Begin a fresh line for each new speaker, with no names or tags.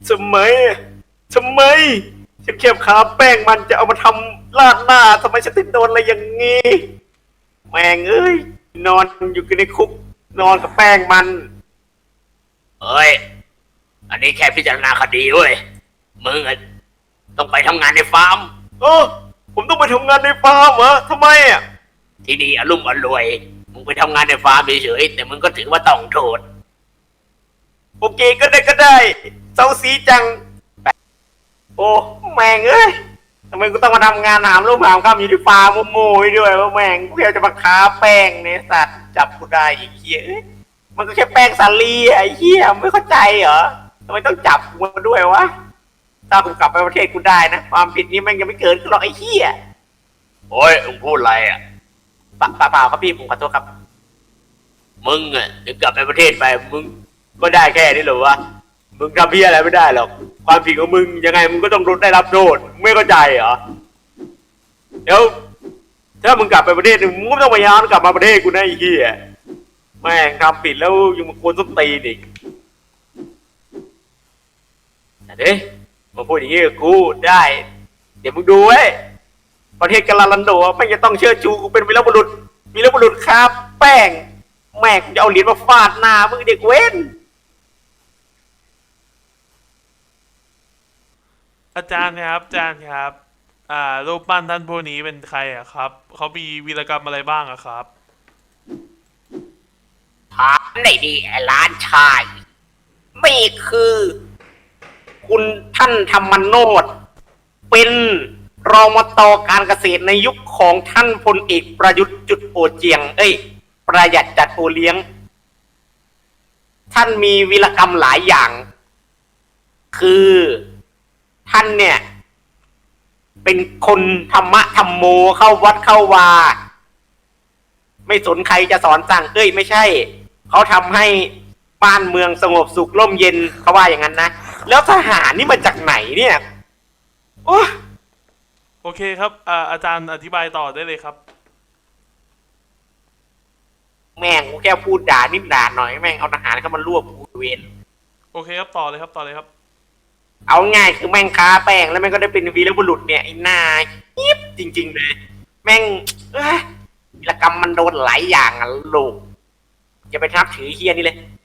ทำไมทำไมฉันแค่คาแป้งมันจะเอามาทำราดหน้าทำไมฉันถึงโดนอะไรอย่างงี้แม่งเอ้ยนอนอยู่ในคุกนอนกับแป้งมัน
เอ้ยอันนี้แค่พิจารณาคดีเว้ยมึงอะต้องไปทำงานในฟาร์ม
ผมต้องไปทำงานในฟาร์มเหรอทำไมอ่ะ
ที่นี่อรุ่มอร่วยมึงไปทำงานในฟาร์มเฉยๆแต่มึงก็ถือว่าต้องโทษ
โอเคก็ได้เซาซีจังโอ้แม่งเอ้ยทำไมกูต้องมาทำงานหามลูกหามข้ามอยู่ที่ฟาร์มโม่ๆด้วยว่าแม่งกูแค่จะมาค้าแป้งเนี่ยสัตว์จับกูได้อีกเหี้ยมันก็แค่แป้งสาลีไอ้เหี้ยไม่เข้าใจเหรอทำไมต้องจับกูมาด้วยวะถ้ากูกลับไปประเทศกูได้นะความผิดนี้แม่งยังไม่เกิดขึ้นหรอกไอ้เหี้ย
โอ้ยมึงพูดอะไรอ่ะ
เปล่าครับพี่ผมขอโทษครับ
มึงอ่ะจะกลับไปประเทศไปมึงก็ได้แค่นี้เหรอวะมึงทำเพี้ยอะไรไม่ได้หรอกความผิดของมึงยังไงมึงก็ต้องได้รับโทษไม่เข้าใจเหรอเดี๋ยวถ้ามึงกลับไปประเทศมึงก็ต้องพยายามกลับมาประเทศกูนะไอ้เหี้ยแม่งทำผิดแล้วยังมาควรส้นตีนอีกเด้มาพูดอย่างนี้กับกูได้เดี๋ยวมึงดูไว้ประเทศกาลาลันโดไม่จะต้องเชื่อชูกูเป็นวีรบุรุษครับแป้งแม่งจะเอาเหรียญมาฟาดหน้ามึงเด็กเว้น
อาจารย์ครับอาจารย์ครับรูปปั้นท่านผู้นี้เป็นใครอะครับเขามีวีรกรรมอะไรบ้างอะครับ
ถามได้ดีไอ้ล้านชายนี่คือ
คุณท่านธรรมโนดเป็นรองมตการเกษตรในยุคของท่านพลเอกประยุทธ์จุดโอเจียงประหยัดจัดโอเลี้ยงท่านมีวีรกรรมหลายอย่าง คือท่านเนี่ยเป็นคนธรรมะธรรมโมเข้าวัดเข้าวาไม่สนใครจะสอนสั่งไม่ใช่เขาทำให้บ้านเมืองสงบสุขร่มเย็นเขาว่าอย่างนั้นนะแล้วทหารนี่มาจากไหนเนี่ย
โอเคครับอาจารย์อธิบายต่อได้เลยครับ
แม่งกูแค่พูดด่านิดด่าหน่อยแม่งเอาทหารเข้ามารวบกูเวร
โอเคครับต่อเลยครับ
เอาง่ายคือแม่งค้าแป้งแล้วแม่งก็ได้เป็นวีรบุรุษเนี่ยไอ้หน้ายิบจริงๆเลยแม่งวีรกรรมมันโดนหลายอย่างอ่ะลูกอย่าไปทับถือเฮียนี่เลย